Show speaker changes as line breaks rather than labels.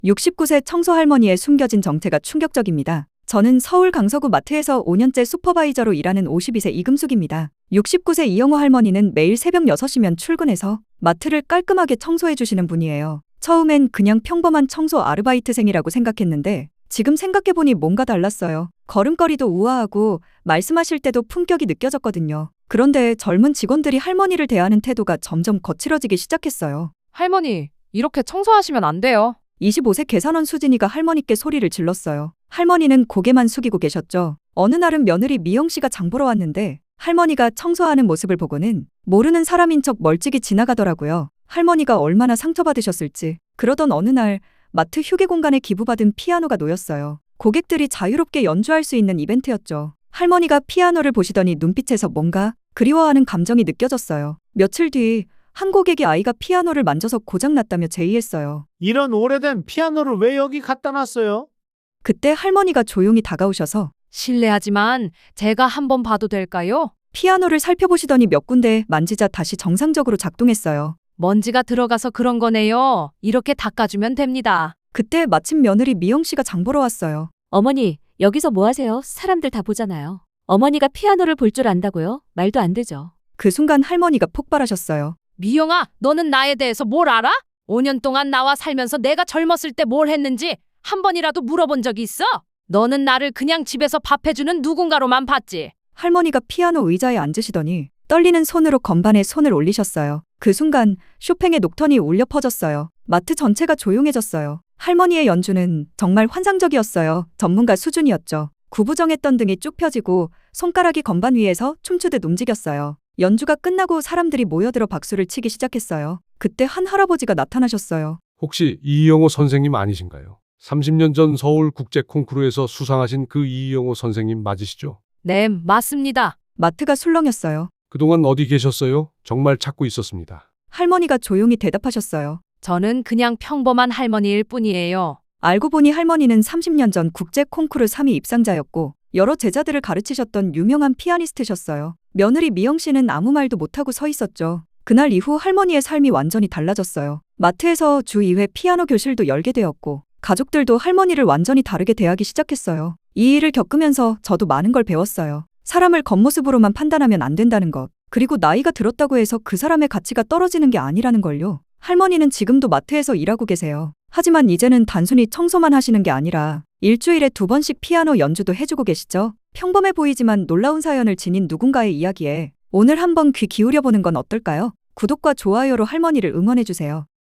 69세 청소 할머니의 숨겨진 정체가 충격적입니다. 저는 서울 강서구 마트에서 5년째 슈퍼바이저로 일하는 52세 이금숙입니다. 69세 이영호 할머니는 매일 새벽 6시면 출근해서 마트를 깔끔하게 청소해 주시는 분이에요. 처음엔 그냥 평범한 청소 아르바이트생이라고 생각했는데 지금 생각해보니 뭔가 달랐어요. 걸음걸이도 우아하고 말씀하실 때도 품격이 느껴졌거든요. 그런데 젊은 직원들이 할머니를 대하는 태도가 점점 거칠어지기 시작했어요.
할머니, 이렇게 청소하시면 안 돼요.
25세 계산원 수진이가 할머니께 소리를 질렀어요. 할머니는 고개만 숙이고 계셨죠. 어느 날은 며느리 미영 씨가 장 보러 왔는데 할머니가 청소하는 모습을 보고는 모르는 사람인 척 멀찍이 지나가더라고요. 할머니가 얼마나 상처받으셨을지. 그러던 어느 날 마트 휴게 공간에 기부받은 피아노가 놓였어요. 고객들이 자유롭게 연주할 수 있는 이벤트였죠. 할머니가 피아노를 보시더니 눈빛에서 뭔가 그리워하는 감정이 느껴졌어요. 며칠 뒤 한 고객이 아이가 피아노를 만져서 고장났다며 제의했어요.
이런 오래된 피아노를 왜 여기 갖다 놨어요?
그때 할머니가 조용히 다가오셔서
실례하지만 제가 한번 봐도 될까요?
피아노를 살펴보시더니 몇 군데 만지자 다시 정상적으로 작동했어요.
먼지가 들어가서 그런 거네요. 이렇게 닦아주면 됩니다.
그때 마침 며느리 미영 씨가 장 보러 왔어요.
어머니, 여기서 뭐 하세요? 사람들 다 보잖아요. 어머니가 피아노를 볼 줄 안다고요? 말도 안 되죠.
그 순간 할머니가 폭발하셨어요.
미영아, 너는 나에 대해서 뭘 알아? 5년 동안 나와 살면서 내가 젊었을 때 뭘 했는지 한 번이라도 물어본 적이 있어? 너는 나를 그냥 집에서 밥 해주는 누군가로만 봤지.
할머니가 피아노 의자에 앉으시더니 떨리는 손으로 건반에 손을 올리셨어요. 그 순간 쇼팽의 녹턴이 울려 퍼졌어요. 마트 전체가 조용해졌어요. 할머니의 연주는 정말 환상적이었어요. 전문가 수준이었죠. 구부정했던 등이 쭉 펴지고 손가락이 건반 위에서 춤추듯 움직였어요. 연주가 끝나고 사람들이 모여들어 박수를 치기 시작했어요. 그때 한 할아버지가 나타나셨어요.
혹시 이영호 선생님 아니신가요? 30년 전 서울 국제 콩쿠르에서 수상하신 그 이영호 선생님 맞으시죠?
네, 맞습니다.
마트가 술렁였어요.
그동안 어디 계셨어요? 정말 찾고 있었습니다.
할머니가 조용히 대답하셨어요.
저는 그냥 평범한 할머니일 뿐이에요.
알고 보니 할머니는 30년 전 국제 콩쿠르 3위 입상자였고 여러 제자들을 가르치셨던 유명한 피아니스트셨어요. 며느리 미영 씨는 아무 말도 못하고 서 있었죠. 그날 이후 할머니의 삶이 완전히 달라졌어요. 마트에서 주 2회 피아노 교실도 열게 되었고 가족들도 할머니를 완전히 다르게 대하기 시작했어요. 이 일을 겪으면서 저도 많은 걸 배웠어요. 사람을 겉모습으로만 판단하면 안 된다는 것. 그리고 나이가 들었다고 해서 그 사람의 가치가 떨어지는 게 아니라는 걸요. 할머니는 지금도 마트에서 일하고 계세요. 하지만 이제는 단순히 청소만 하시는 게 아니라 일주일에 2번씩 피아노 연주도 해주고 계시죠. 평범해 보이지만 놀라운 사연을 지닌 누군가의 이야기에 오늘 한번 귀 기울여보는 건 어떨까요? 구독과 좋아요로 할머니를 응원해주세요.